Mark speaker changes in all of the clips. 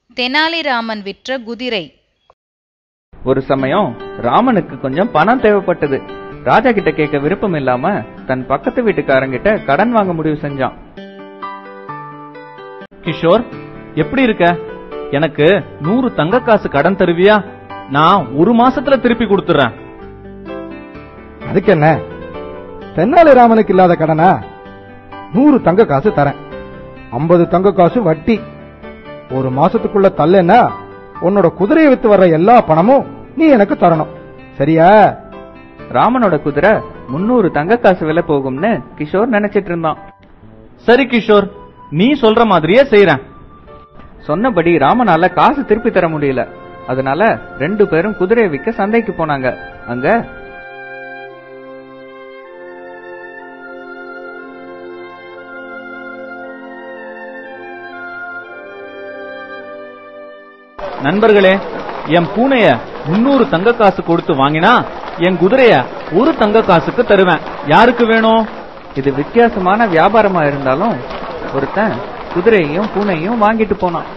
Speaker 1: தெனாலிராமன் விற்ற குதிரை.
Speaker 2: ஒரு சமயம் ராமனுக்கு கொஞ்சம் பணம் தேவைப்பட்டது. ராஜா கிட்ட கேட்க விருப்பம் இல்லாம தன் பக்கத்து வீட்டுக்காரங்கிட்ட கடன் வாங்க முடிவு செஞ்சான்.
Speaker 3: கிஷோர், எப்படி இருக்க? எனக்கு 100 தங்க காசு கடன் தருவியா? நான் 1 மாசத்துல திருப்பி கொடுத்துறேன்.
Speaker 4: அதுக்கு என்ன, தெனாலிராமனுக்கு இல்லாத கடனா? 100 தங்க காசு தரேன், 50 தங்க காசு வட்டி. 1 மாசத்துக்குள்ள தள்ளேன்னா உன்னோட குதிரையை வித்து வர்ற எல்லா பணமும் நீ எனக்கு தரணும், சரியா?
Speaker 2: ராமனோட குதிரை 300 தங்க காசு விலை போகும்னு கிஷோர் நினைச்சிட்டு இருந்தான்.
Speaker 3: சரி கிஷோர், நீ சொல்ற மாதிரியே செய்றேன்.
Speaker 2: சொன்னபடி ராமனால காசு திருப்பி தர முடியல. அதனால 2 பேரும் குதிரையை விற்க சந்தைக்கு போனாங்க. அங்க
Speaker 3: நண்பர்களே, என் பூனைய 300 தங்க காசு கொடுத்து வாங்கினா என் குதிரைய 1 தங்க காசுக்கு தருவேன். யாருக்கு வேணும்?
Speaker 2: இது வித்தியாசமான வியாபாரமா இருந்தாலும் ஒருத்தன் குதிரையையும் பூனையும் வாங்கிட்டு போனான்.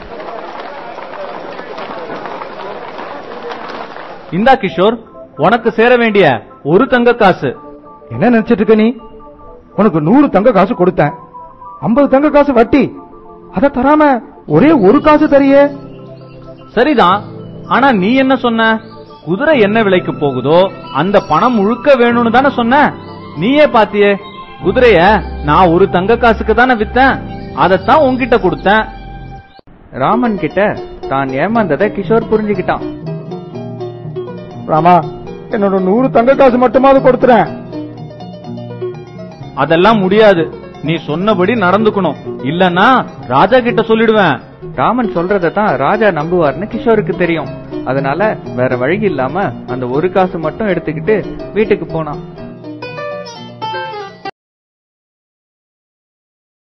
Speaker 3: இந்தா கிஷோர், உனக்கு சேர வேண்டிய 1 தங்க காசு.
Speaker 4: என்ன நினைச்சிட்டு இருக்க நீ? உனக்கு 100 தங்க காசு கொடுத்தேன், 50 தங்க காசு வட்டி. அத தராம ஒரே 1 காசு தரியே.
Speaker 3: சரிதான், ஆனா நீ என்ன சொன்ன? குதிரை என்ன விலைக்கு போகுதோ அந்த பணம் முழுக்க வேணும்னு தானே சொன்ன. நீயே பாத்தியே, குதிரைய நான் 1 தங்க காசுக்கு தானே வித்தேன், அதத்தான் உன்கிட்ட கொடுத்தேன்.
Speaker 2: ராமன் கிட்ட தான் ஏமாந்ததை கிஷோர் புரிஞ்சுக்கிட்டான்.
Speaker 4: ராமா, என்னோட 100 தங்க காசு மட்டுமாவது கொடுத்துறேன்.
Speaker 3: அதெல்லாம் முடியாது, நீ சொன்னபடி நடந்துக்கணும், இல்லன்னா ராஜா கிட்ட சொல்லிடுவேன்.
Speaker 2: ராமன் சொல்றதை தான் ராஜா நம்புவார்னு கிஷோருக்கு தெரியும். அதனால வேற வழி இல்லாம அந்த 1 காசு மட்டும் எடுத்துக்கிட்டு வீட்டுக்கு போனான்.